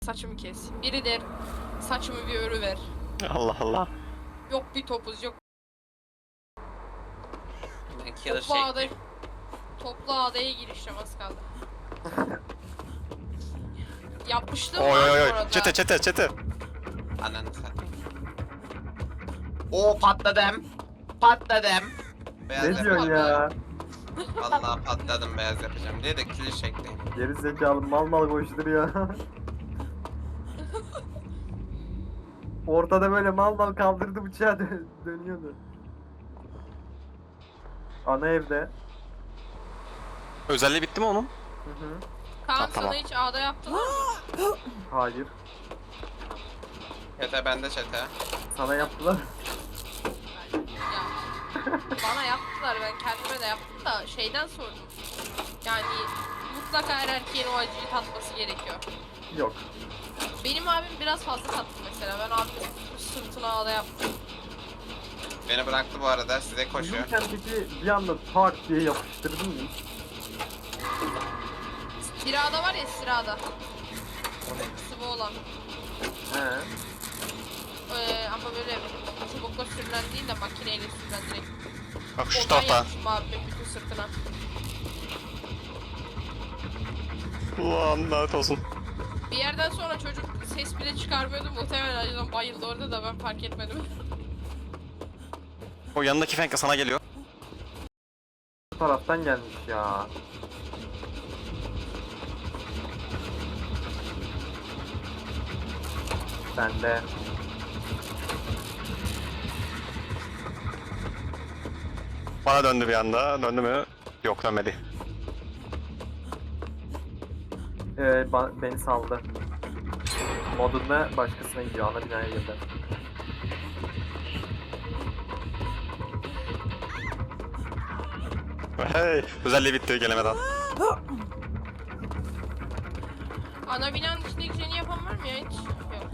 Saçımı kes. Biri der saçımı bir örü ver. Allah Allah. Yok bir topuz yok. Killer shake. Toplu adaya girişim az kaldı. Yapmıştım Oy lan oy bu oy. arada. Çete. Ananı satayım. Oo patladım. Patladım. Beyaz Ne diyorsun ya? Vallahi patladım, beyaz yapacağım diye de killer shake'teyim. Geri zekalı mal koşturuyor. Ortada böyle mal kaldırdı bıçağı dönüyordu. Ana evde. Özelliği bitti mi onun? Hı hı. Kaan Tamam. sana hiç ağda yaptılar mı? Hayır. Çete bende çete. Sana yaptılar. Ya, bana yaptılar, ben kendime de yaptım da şeyden sordum. Yani mutlaka her erkeğin o acıyı tatması gerekiyor. Yok. Benim abim biraz fazla tattı mesela. Ben abimin sırtına ağda yaptım. Beni bıraktı bu arada, size koşuyor. Yürürken peki bir anda tak diye yapıştırdın mı? Sirada var ya, sirada. Sıvı olan. He. Ama böyle çubukla sürülen değil de makineyle sürülen direkt. Bak şu Ondan tarafta. yapmışım abimin bütün sırtına. Ulan lanet olsun. Bir yerden sonra çocuk ses bile çıkarmıyordu, muhtemelen acıdan bayıldı orada da ben fark etmedim. O yanındaki Fenka sana geliyor. Bu taraftan gelmiş ya. Ben de. Bana döndü bir anda. Döndü mü? Yok, dönmedi. Beni saldı. Modunda başkasına gidiyor. Ana binaya girdi. Hey, özelliği bitti gelemeden. Ana binanın içindeki jeni yapan var mı ya hiç? Yok.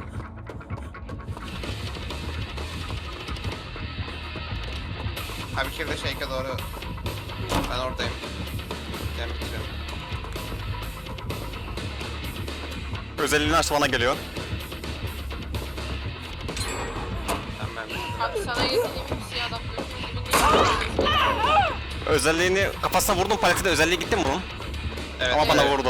Abi killer shake'e doğru. Ben oradayım. Ben bitiriyorum. Özelliğini açtı, bana geliyor. Ben bitirdim. Abi sana getirdiğim siyah adam gördüğün gibi değil. Özelliğini kafasına vurdum, paleti de özelliği gitti mi bunun? Evet, Ama bana evet. vurdu.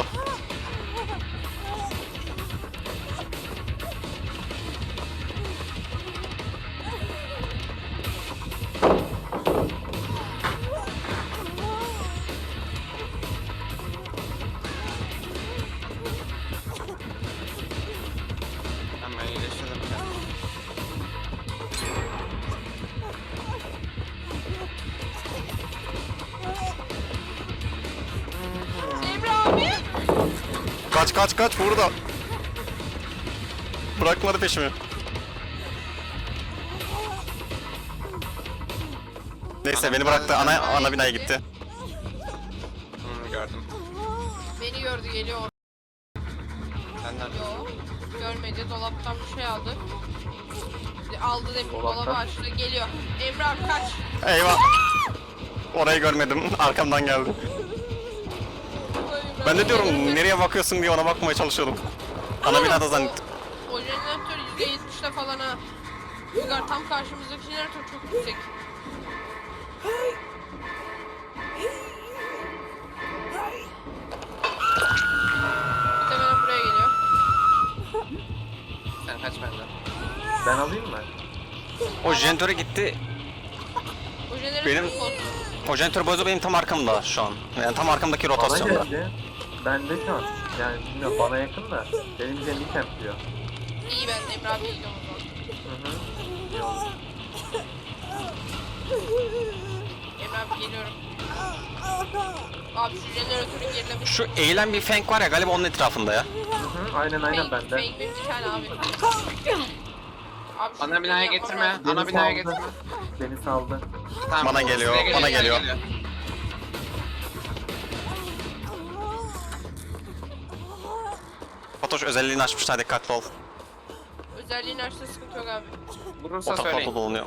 Hemen iyileştirdim. Emre abi! Kaç burada. Bırakmadı peşimi. Neyse beni bıraktı, ana binaya gitti. Gördüm. Beni gördü, geliyor. Senden. Yok. Görmedi, dolaptan bir şey aldı. Aldı demin, Dolaptan? dolabı açtı, geliyor. Emre abi kaç! Eyvah. Orayı görmedim, arkamdan geldi. Ben de diyorum nereye bakıyorsun diye ona bakmaya çalışıyordum. Ana binada zannettim. O jeneratör %70'te falan ha. Uygar, tam karşımızdaki jeneratör çok yüksek. Muhtemelen buraya geliyor. Sen kaç benden. Ben alayım mı? O jeneratöre gitti. O jeneratör Benim- bozdu. O jeneratör bozu benim tam arkamda şu an. Yani tam arkamdaki Bana rotasyonda. geldi. Ben de şu an. Yani bilmiyorum, bana yakın da. Benim canım kempliyor. İyi, ben Emre abi gidiyorum o zaman. Hı hı. İyi oldu. Emre abi geliyorum. Abi şu jeneratörü gerilemiş. Şu eğilen bir Fenk var ya, galiba onun etrafında ya. Hı hı. Aynen bende. Fake bir tane abi. Abi şu Ana binaya yapmam getirme. lazım. Beni Ana binaya saldı. getirme. Beni saldı. Tamam. Bana geliyor, size bana size geliyor. Fatoş özelliğini açmışlar, dikkatli ol. Özelliğini açtı, sıkıntı yok abi. O Vurursa tarafta söyleyin. dolanıyor.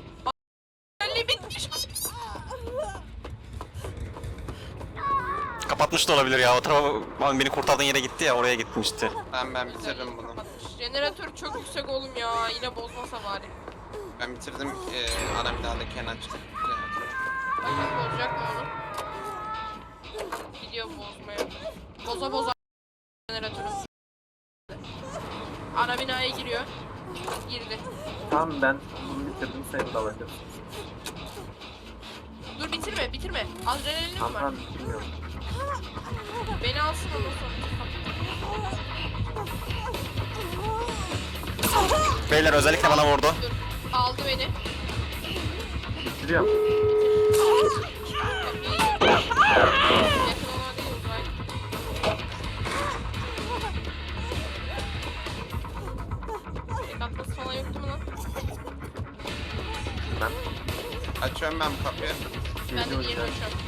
Özelliği bitmiş. kapatmış da olabilir ya. O tarafa beni kurtardığın yere gitti ya, oraya gitmişti. Ben bitirdim bunu. Jeneratör çok yüksek oğlum ya. Yine bozmasa bari. Ben bitirdim ana binada Kenan çıktı. Bakalım bozacak mı onu? Gidiyor bozmaya. Boza boza jeneratörü. Ana binaya giriyor. Girdi. Tamam ben bunu bitirdim seni de alacağım. Dur bitirme bitirme. Adrenalin Tamam var. tamam bilmiyorum. Beni alsın ondan sonra. Beyler özellikle bana vurdu. Dur. Aldı beni. Bitiriyorum. Kapıyı yiyorum. Yakın olan değil uzak. Tek atması falan yoktu mu lan? Ben Açıyorum ben bu kapıyı. Ben de geliyorum diğerini ya. açıyorum.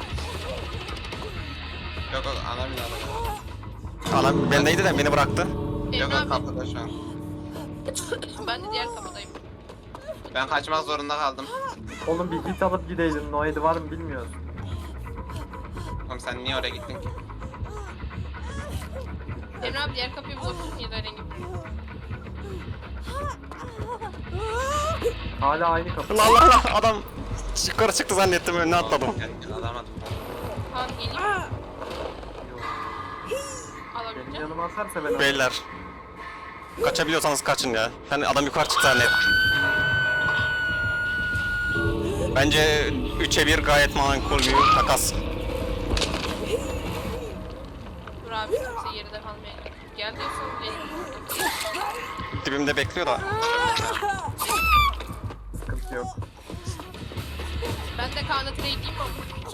Yok ana binada. Anam bendeydi de beni bıraktı. Yok Emre abi. kapıda şu an. Ben de diğer kapıdayım. Ben kaçmak zorunda kaldım. Oğlum bir hit alıp gideydin. Noedi var mı bilmiyoruz. Oğlum sen niye oraya gittin ki? Emre abi diğer kapıyı bulabilirsin ya da rengi. Hala aynı kapı. Allah Allah Allah, adam yukarı çıktı zannettim, önüne atladım. Gel, alamadım. Tamam geleyim. Benim Alabileceğim. yanıma atarsa ben alırım. Beyler. Kaçabiliyorsanız kaçın ya. Hani adam yukarı çıktı zannet. Bence 3'e 1 gayet makul bir takas. Dur abi kimse geride kalmayacak. Gel diyorsan gelin. Dibimde bekliyor da. Sıkıntı yok. Ben de Kaan'a trade edeyim mi?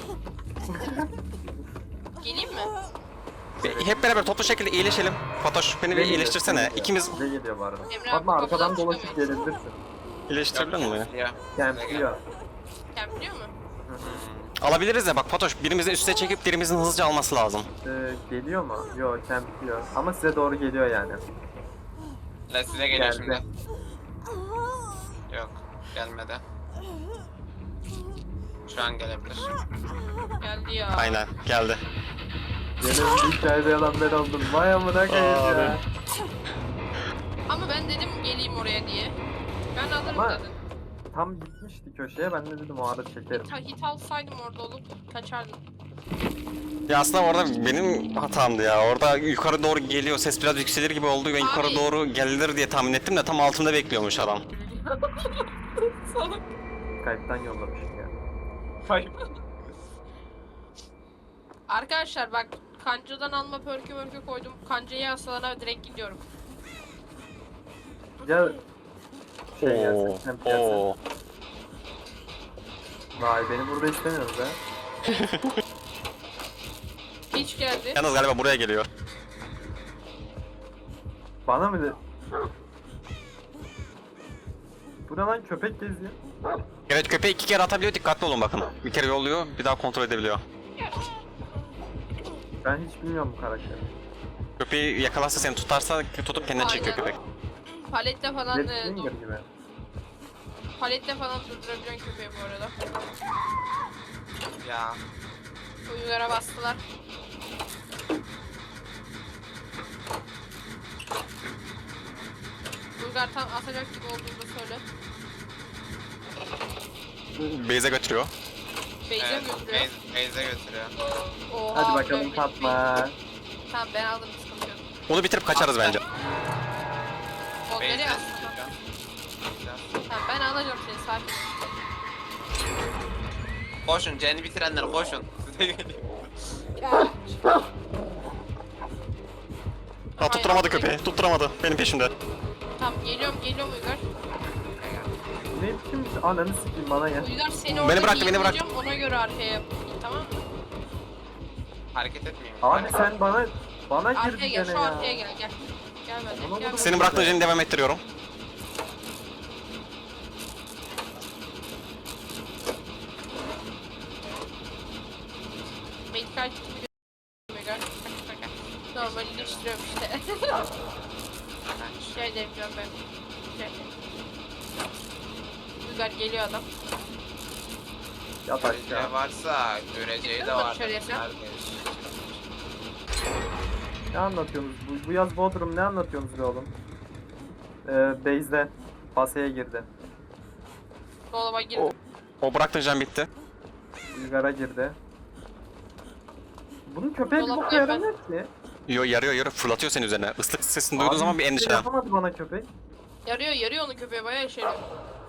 Geleyim mi? Hep beraber toplu şekilde iyileşelim. Fatoş beni bir iyileştirsene. İkimiz Bize geliyor bu arada. Emre abi, Fatma arkadan kapıdan dolaşıp çıkamıyoruz. gelebilirsin. iyileştirebilir mi? Ya. Kempliyor. Kempliyor mu? Alabiliriz de bak Fatoş, birimizin üste çekip birimizin hızlıca alması lazım. Geliyor mu? Yok kempliyor. Ama size doğru geliyor yani. La size geliyor Geldi. şimdi. Yok gelmedi. Şu an gelebilir. Geldi ya. Aynen geldi. Benim hikayede yalan ben oldum. Vay amına koyayım ya. Ama ben dedim geleyim oraya diye. Ben alırım Ama- dedim. Tam gitmişti köşeye ben de dedim o ara çekerim. Hit alsaydım orada olup kaçardım. Ya aslında orada benim hatamdı ya. Orada yukarı doğru geliyor, ses biraz yükselir gibi oldu. Ben yukarı Abi. doğru gelir diye tahmin ettim de tam altımda bekliyormuş adam. Salak. Skype'tan yollamışım ya. Arkadaşlar bak kancadan alma pörkü koydum. Kancayı hastalara direkt gidiyorum. Ya şey gelsin, kemp gelsin. Oo. Vay beni burada istemiyoruz ha. Hiç geldi. Yalnız galiba buraya geliyor. Bana mı de... Bu ne lan köpek geziyor. Evet, köpeği 2 kere atabiliyor, dikkatli olun bakın. Bir kere yolluyor, bir daha kontrol edebiliyor. Ben hiç bilmiyorum bu karakteri. Köpeği yakalarsa seni tutarsa tutup kendine çekiyor Aynen. köpek. Paletle falan Red Finger gibi. paletle falan durdurabiliyorsun köpeği bu arada. Ya. Uyulara bastılar. Bulgar tam atacak gibi olduğunu söyle. Beyze götürüyor. Beyze Evet, mi götürüyor? Beyze götürüyor. Oha, Hadi bakalım böyle bir Fatma. Tamam ben aldım sıkıntı yok. Onu bitirip kaçarız bence. O Beyze nereye aslında? götürüyor. Tamam ben alacağım seni sakin. ol. Koşun, Cen'i bitirenler koşun. Size geliyor. Ha, tutturamadı köpeği, tutturamadı. Benim peşimde. Tamam geliyorum Uygar. Ne biçim ananı sikeyim bana ya. Uygar seni Beni orada bıraktı, beni bıraktı. yiyeceğim, ona göre arkaya yap. Tamam mı? Hareket etmeyeyim. Abi sen bana Arkaya girdin gel gene şu ya. arkaya gel. Gel bende. Ona Gel vurdu. Senin bıraktığın jeni devam ettiriyorum. Medikal kitimi Uygar. Normalleştiriyorum işte. Rica ederim canım ben. Rica ederim. Uygar geliyor adam. Yat Göreceği aşağı. varsa göreceği de Çıktın mı var. dışarıya sen? Neredeyiz? Ne anlatıyorsunuz? Bu yaz Bodrum ne anlatıyorsunuz be oğlum? Base'de Base'ye girdi. Dolaba girdim. O bıraktın can bitti. Uygar'a girdi. Bunun köpeği bir Dolap boka yaramıyor ki. Yo, yarıyor fırlatıyor seni üzerine. Islık sesini duyduğun Abi, zaman bir hiçbir şey endişelen. yapamadı bana köpek. Yarıyor onu köpeğe bayağı işe yarıyor.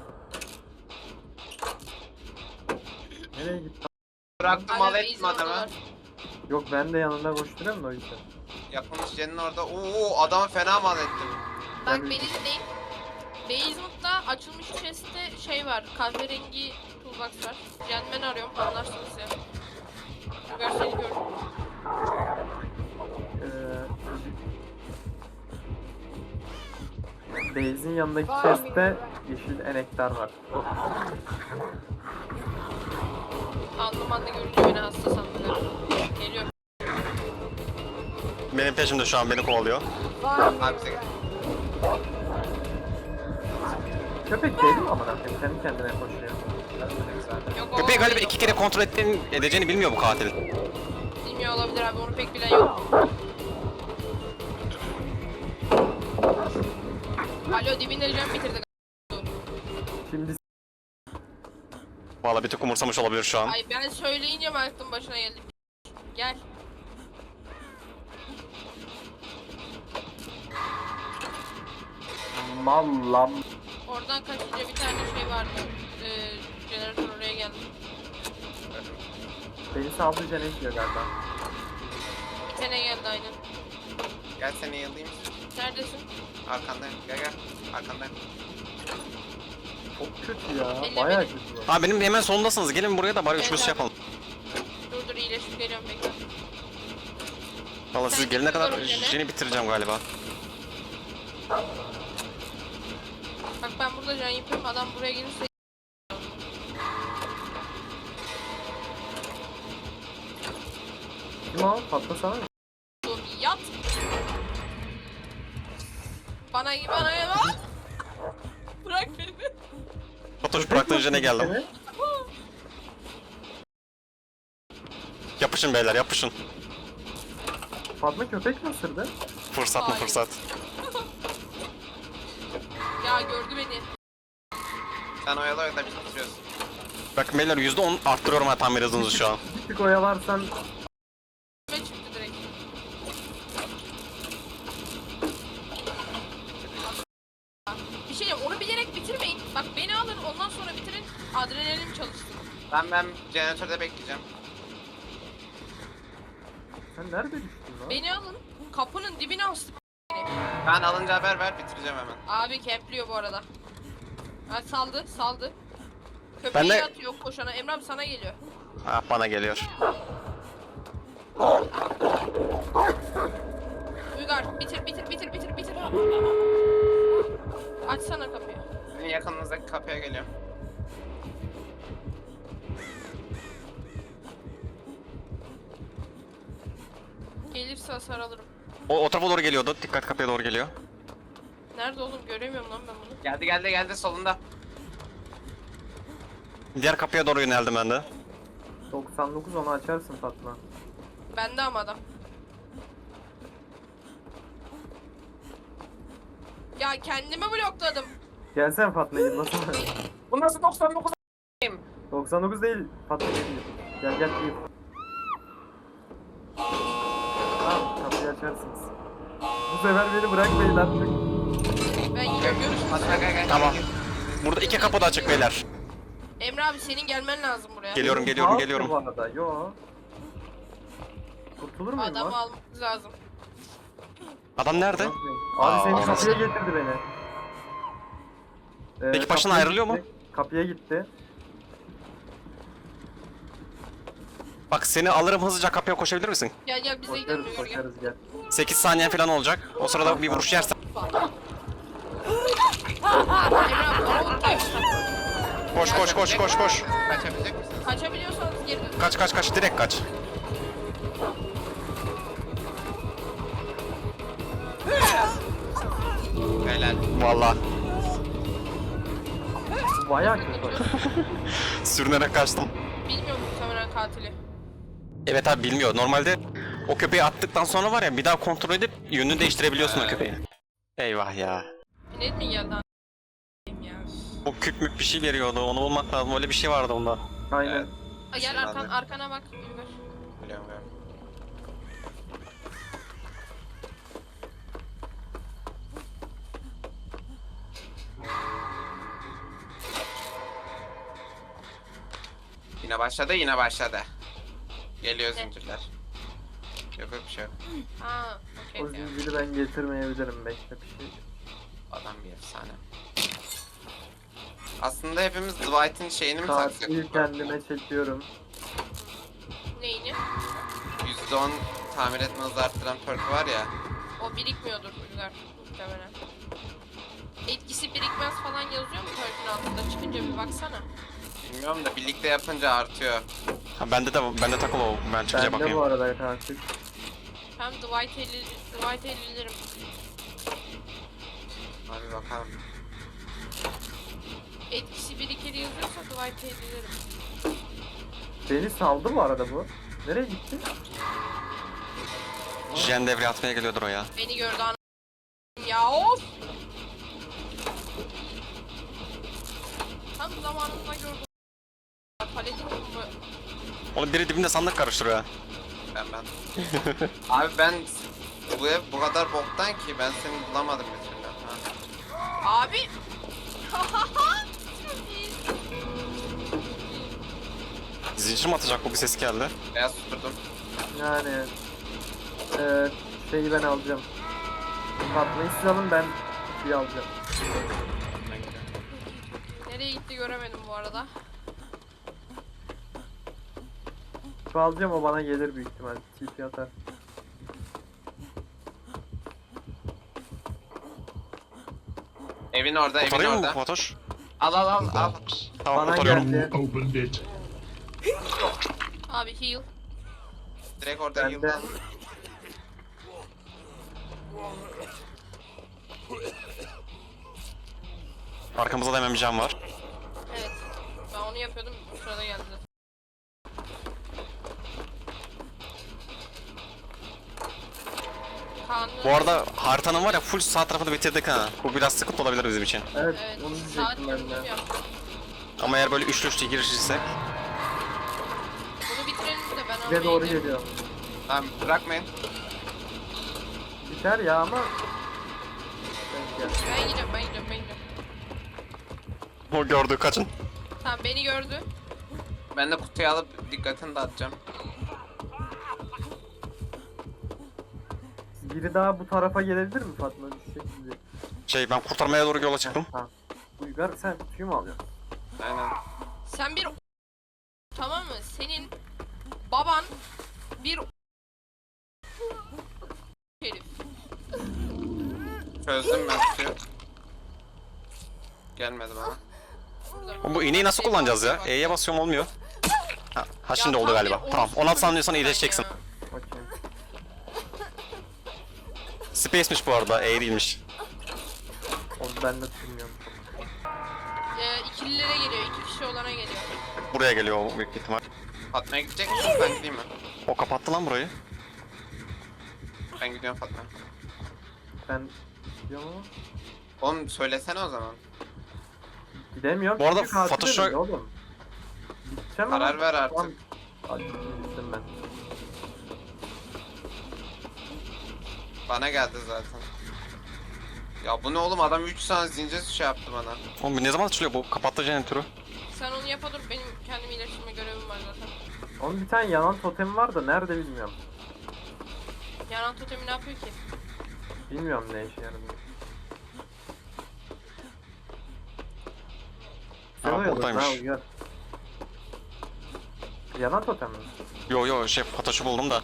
Nereye gitti? Bıraktım Hala mal ettim base'in adamı. oradalar. Yok ben de yanında koşturuyorum da o yüzden. Yapılmış Jen'in orada. Oo adamı fena mal ettim. Bak Ben- beni dinleyin. Basement'ta açılmış chest'te şey var. Kahverengi toolbox var. Gentleman arıyorum. Anlarsınız ya. Uygar seni gördüm. Base'in yanındaki chest'te yeşil enektar var. Aldım anda görünce beni hasta sandılar. Geliyor. Benim peşimde şu an beni kovalıyor. Abi bize gel. Köpek değil mi amına koyayım? Kendi kendine koşuyor. Yok, o Köpeği galiba değil, 2 kere kontrol edeceğini bilmiyor bu katil. bilmiyor olabilir abi. Onu pek bilen yok. Alo dibinde can bitirdi. Şimdi Vallahi bir tık umursamış olabilir şu an. Ay ben söyleyince mi aklım başına geldi? Gel. mallam. Oradan kaçınca bir tane şey vardı. Jeneratör oraya geldi. Beni saldı cenek diyor galiba. Bir tane geldi aynen. Gel seni yıldayım. Neredesin? Arkandayım. Gel. Arkandayım. Çok kötü ya. Elle Bayağı beni. kötü bu. Aa benim hemen solundasınız. Gelin buraya da bari Evet üçümüz abi. şey yapalım. Dur iyileşip geliyorum bekle. Vallahi siz Sen gelene kadar geliyorum gene. jeni bitireceğim galiba. Bak ben burada can yapıyorum adam buraya gelirse Kim o? Patlasana. dur yat. Bana yat. Bırak beni. Fatoş bıraktığın jene geldim. Evet. Yapışın beyler yapışın. Fatma köpek mi ısırdı? Fırsat mı Hayır. fırsat. Ya gördü beni. Sen oyala da biz bitiriyoruz. Bak beyler %10 arttırıyorum ha tamir hızınızı şu an. Bir tık oyalarsan Ve çıktı direkt. Bir şey diyeyim onu bilerek bitirmeyin. Bak beni alın ondan sonra bitirin. Adrenalin çalışsın. Ben jeneratörde bekleyeceğim. sen nerede düştün lan? Beni alın. Kapının dibine astı. Ben alınca haber ver bitireceğim hemen. Abi kempliyor bu arada. Ha saldı. Köpeği Ben de- atıyor koşana. Emre abi sana geliyor. Ha bana geliyor. Uygar bitir. Açsana kapıyı. Senin yakınınızdaki kapıya geliyorum. Gelirse hasar alırım. O tarafa doğru geliyordu. Dikkat kapıya doğru geliyor. Nerede oğlum göremiyorum lan ben bunu. Geldi solunda. Diğer kapıya doğru yöneldim ben de. 99 onu açarsın Fatma. Bende ama adam. Ya kendimi blokladım. Gelsene Fatma yıllasana. Bu nasıl 99? 99 değil Fatma geliyor. Gel gel gel. Tamam kapıyı açarsınız. Bu sefer beni bırakmayın artık. Ben yine görüşürüz. Hadi gel. Tamam. Burada 2 kapı da açık beyler. Emre abi senin gelmen lazım buraya. Geliyorum Ne yapıyor geliyorum. Bu arada yo. Kurtulur muyum Adamı lan? almamız lazım. Adam nerede? Abi seni Aa, kapıya getirdi beni. Peki başına kapıya ayrılıyor mu? gitti, Kapıya gitti. Bak seni alırım hızlıca kapıya koşabilir misin? Gel bize gidelim Koşarız Uygar gel. koşarız gel. 8 saniyen falan olacak. O sırada bir vuruş yersen. Emre abi bana vurmayın. Koş. Kaçabilecek misin? Kaçabiliyorsanız geri dön. Kaç direkt kaç. Helal. Vallahi Bu bayağı kötü. sürünerek kaçtım. Bilmiyorum muhtemelen katili. Evet abi bilmiyor. Normalde O köpeği attıktan sonra var ya bir daha kontrol edip yönünü değiştirebiliyorsun o köpeği. Eyvah ya. Ne mi geldi a**ayım ya. O küp mük bir şey veriyordu. Onu bulmak lazım. Öyle bir şey vardı onda. Aynen. Evet. Aa, gel arkana bak. Uygar. Biliyorum biliyorum. Yine başladı, yine başladı. Geliyor zincirler. Yok yok bir şey yok. Ha, okey. O zinciri ben getirmeyebilirim. Bekle bir şey. Adam bir efsane. Aslında hepimiz Dwight'in şeyini mi taksak? Katili kendime çekiyorum. Neyini? %10 tamir etme hızı arttıran perk var ya. O birikmiyordur Uygar muhtemelen. Etkisi birikmez falan yazıyor mu perk'ün altında? Çıkınca bir baksana. Bilmiyorum da birlikte yapınca artıyor. Ha, bende takılı o. Ben çıkınca Ben de bu bakayım. arada katil. Hem Dwight 50'lerim. Hadi bakalım. Etkisi birikir yazıyorsa Dwight 50'lerim. Beni saldı bu arada bu. Nereye gitti? Jen devreye atmaya geliyordur o ya. Beni gördü an ya of. Tam zamanında gördüm. Paletin mi? Oğlum biri dibinde sandık karıştırıyor ha. Ben. Abi ben bu ev bu kadar boktan ki ben seni bulamadım bir türlü. Ha. Abi. Zincir mi atacak bu bir ses geldi. Beyaz tuturdum. Yani şeyi ben alacağım. Fatma'yı siz alın, ben kutuyu alacağım. Nereye gitti göremedim bu arada. Kutu alacağım, o bana gelir büyük ihtimal. TP atar. Evin orada, evin Kurtarıyor mu orada. Fatoş? Al al al al. Tamam Bana kurtarıyorum. geldi. Opened it. Abi heal. Direkt orada Ben de. yıldan. Arkamızda da hemen bir cam var. Evet. Ben onu yapıyordum. Bu sırada geldi. Kaan'ın... Bu arada haritanın var ya full sağ tarafını bitirdik ha. Bu biraz sıkıntı olabilir bizim için. Evet, Evet. onu Saat diyecektim ben yönetim de. yaptım. Ama eğer böyle üçlü girişirsek. Bunu bitirelim de ben Size doğru gideyim. geliyor. Tamam bırakmayın. Biter ya ama... Denk gel. Ben gidiyorum. O gördü kaçın. Tamam beni gördü. Ben de kutuyu alıp dikkatini dağıtacağım. Biri daha bu tarafa gelebilir mi Fatma? Bir şekilde. Ben kurtarmaya doğru yola çıktım. Ha. Uygar, sen kutuyu mu alıyorsun? Aynen. Sen bir tamam mı? Senin baban bir herif. Çözdüm ben kutuyu. Gelmedi bana. Oğlum bu iğneyi nasıl kullanacağız ya? E'ye basıyorum olmuyor. Ha şimdi oldu galiba. Tamam 16 saniye sonra iyileşeceksin. Bakayım. Space'miş bu arada E değilmiş. Onu ben de bilmiyorum. İkililere geliyor. 2 kişi olana geliyor. Buraya geliyor o büyük ihtimal. Fatma'ya gidecek misin? Ben gideyim mi? O kapattı lan burayı. Ben gidiyorum Fatma. Ben gidiyorum ama Oğlum söylesene o zaman. gidemiyorum. Bu arada çünkü katil Photoshop- ölüyor oğlum. Gideceğim Karar ama- ver artık. Tamam. Hadi gittim ben. Bana geldi zaten. Ya bu ne oğlum, adam 3 tane zincir şey yaptı bana. Oğlum bu ne zaman açılıyor bu? Kapattı jeneratörü. Sen onu yapa dur. Benim kendimi iyileştirme görevim var zaten. Onun bir tane yanan totemi var da nerede bilmiyorum. Yanan totemi ne yapıyor ki? Bilmiyorum ne işe yaradığını. Ha, Seviyordur, buradaymış. ha, Uygar. Yanan totem mi? Yo Fatoş'u buldum da.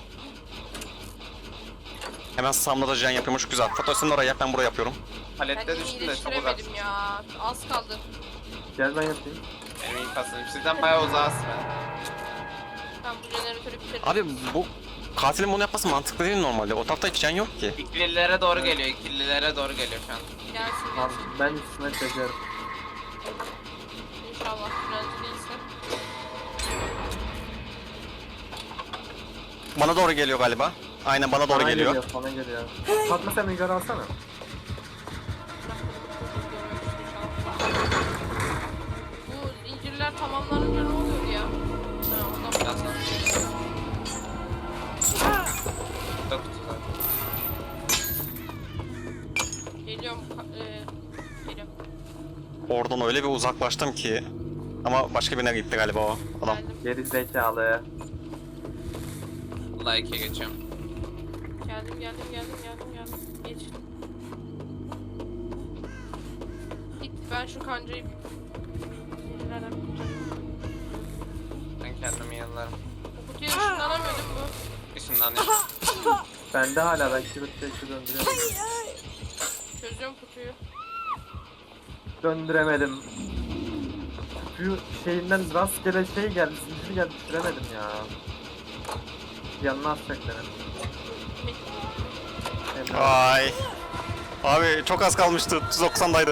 Hemen Sam'la da jen yapıyormuş güzel. Fatoş sen oraya yap ben buraya yapıyorum. Palette Kendimi düştüm de çok iyileştiremedim uzaksın. ya. Az kaldı. Gel ben yapayım. Benim ilk aslanım. Sizden bayağı uzağız ben. Ben bu jeneratörü bitiririm. Abi bu katilin bunu yapması mantıklı değil normalde. O tarafta hiç jen yok ki. İkililere doğru geliyor, ikililere doğru geliyor şu an. Gelsin Tamam, gelsin. ben üstüne çekerim. İnşallah frenci değilse. Bana doğru geliyor galiba. Aynen bana doğru Sana geliyor. Sana geliyor. Fatma sen Uygar alsana. Bu zincirler tamamlanınca ne oluyor ya? Ha, ondan Ya sana. Çok güzel. geliyorum. Geliyorum. Oradan öyle bir uzaklaştım ki. Ama başka birine gitti galiba o adam. Geldim. Geri zekalı. Like'e geçiyorum. Geldim. Geç. Git ben şu kancayı zincirlerden kurtarayım. Ben kendimi yıllarım. Bu kutuyu ışınlanamıyordum bu. Işınlanıyor. Bende hala ben çekti döndüremedim. Çözüyorum kutuyu. Döndüremedim. Şu şeyinden rastgele şey geldi, zincir geldi, düşüremedim ya. Yanına atacak beni. Emre abi. Ay. Abi çok az kalmıştı. 90'daydı.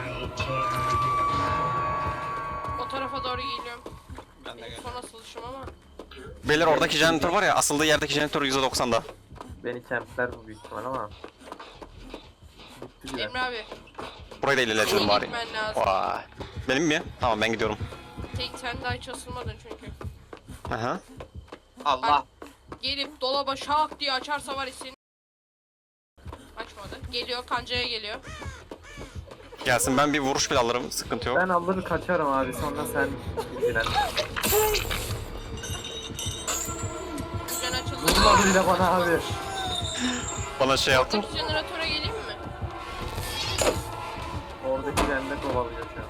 O tarafa doğru geliyorum. Ben de Benim geliyorum. son asılışım ama. Beyler oradaki jeneratör var ya, asıldığı yerdeki jeneratör %90'da. Beni kempler bu büyük ihtimal ama. Bitti bile. Emre abi. Burayı da ilerletelim Senin bari. gitmen lazım. Vay. Benim mi? Tamam ben gidiyorum. Sen daha hiç asılmadın çünkü. Aha. Allah. Gelip dolaba şak diye açarsa var ya senin. Açmadı. Geliyor kancaya geliyor. Gelsin, ben bir vuruş bile alırım. Sıkıntı yok. Ben alır kaçarım abi, sonra sen ilgilen. Can açıldı. Vurma bile bana abi. Bana şey yaptı. Oradaki jeneratöre geleyim mi? Oradaki bende kovalıyor şu an.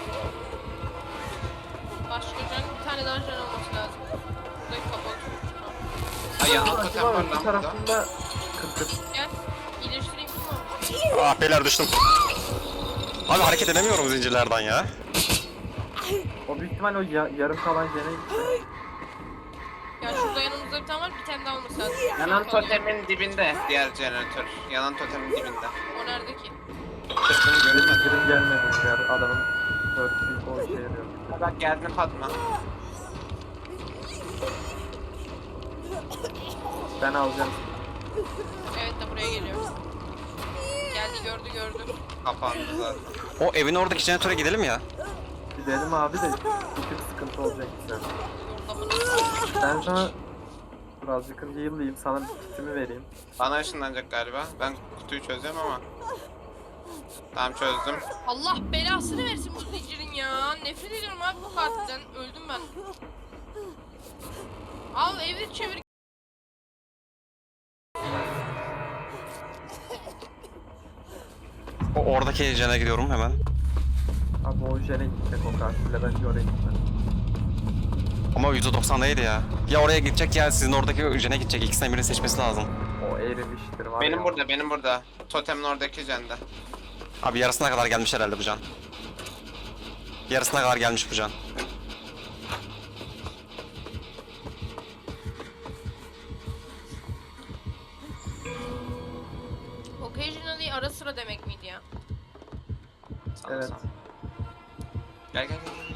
Başka can, bir tane daha can olması lazım. Buradaki kapalı. Ay yanına Acaba totem var öbür lan burada. tarafında kırk. Gel. İyileştireyim mi? Ah beyler düştüm. Abi hareket edemiyorum zincirlerden ya. O büyük ihtimal o yarım kalan jene gitti. Ya şurada yanımızda bir tane var, bir tane daha olması lazım. Yanan Bakalım. totemin dibinde diğer jeneratör. Yanan totemin dibinde. O nerede ki? Sırtını görünmedi. Zincirim gelmedi ya, adamın örtüyü o işe yarıyor. Bak geldin Fatma. Ben alacağım. Evet de buraya geliyor. Geldi gördü. Kapandı zaten. O evin oradaki jeneratöre gidelim ya. Gidelim abi de bir tık sıkıntı olacak bize. Burada bunu. Ben sana birazcık heal'layayım, sana bir kitimi vereyim. Bana ışınlanacak galiba. Ben kutuyu çözüyorum ama. Tamam çözdüm. Allah belasını versin bu zincirin ya. Nefret ediyorum abi bu katilden. Öldüm ben. Al evir çevir. Oradaki jene gidiyorum hemen. Abi o jene gidecek o kartıyla, bence oraya gitmem. Ama %90'daydı ya. Ya oraya gidecek ya sizin oradaki jene gidecek. İkisinden birini seçmesi lazım. O erimiştir var Benim ya. burada. Totemin oradaki jende. Abi yarısına kadar gelmiş herhalde bu can. Yarısına kadar gelmiş bu can. Occasionally ara sıra demek miydi ya? Evet. Gel.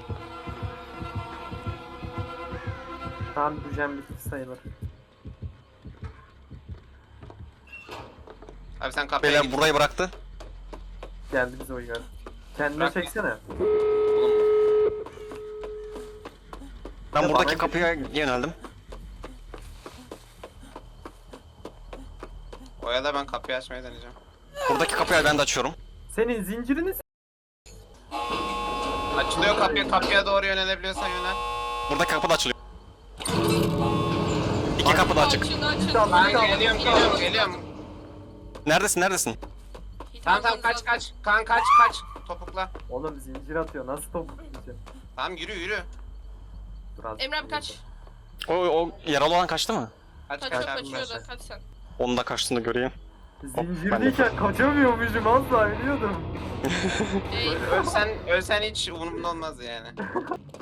Tamam, bu jen bitti sayılır. Abi sen kapıya Beyler şey- git. burayı bıraktı. Geldi bize uygar. Kendine Bırakma. çeksene. Ben Ya buradaki bana kapıya yöneldim. Oya da ben kapıyı açmaya deneyeceğim. Buradaki kapıyı ben de açıyorum. Senin zincirini Açılıyor kapıya doğru yönelebiliyorsan yönel. Buradaki kapı da açılıyor. İki kapı da açık. Açıldı. Tamam, Ben tamam. geliyorum. Neredesin? Tamam kaç. Kan kaç. Topukla. Oğlum zincir atıyor, nasıl topuk diyeceğim. Tamam yürü. Biraz Emre abi kaç. O yaralı olan kaçtı mı? Kaç Kaçıyor abi. kaçıyor da kaç sen. Onun da kaçtığını göreyim. Zincirdeyken kaçamıyormuşum, asla biliyordum. Ey, Ölsen hiç umurumda olmaz yani.